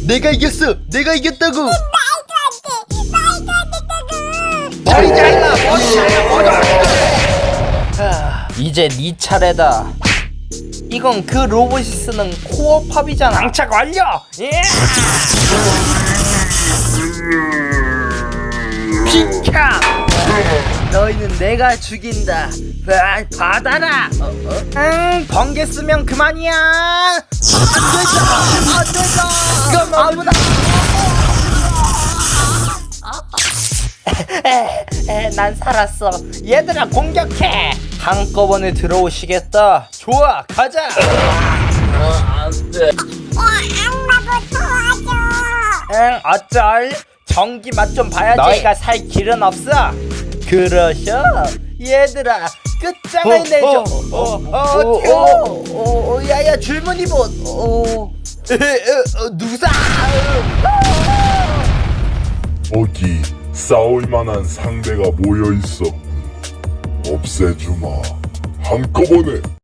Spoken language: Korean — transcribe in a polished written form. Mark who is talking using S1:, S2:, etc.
S1: 내가 이겼어. 내가 이겼다고.
S2: 말도 안 돼.
S1: 머리 잘라.
S3: 이제 네 차례다. 이건 그 로봇이 쓰는 코어 팝이잖아. 장착 완료. 예. 비켜. 너희는 내가 죽인다. 받아라. 번개 쓰면 그만이야. 안 된다. 그럼 아무나. 난 살았어. 얘들아 공격해. 한꺼번에 들어오시겠다. 좋아 가자. 안돼.
S2: 악마도 도와줘.
S3: 어쩔. 전기 맛 좀 봐야지. 너희가 살 길은 없어. 그러셔. 얘들아 끝장을 내줘. 야야 줄무늬봇. 누구사.
S4: 어디 싸울 만한 상대가 모여 있어. 없애주마. 한꺼번에.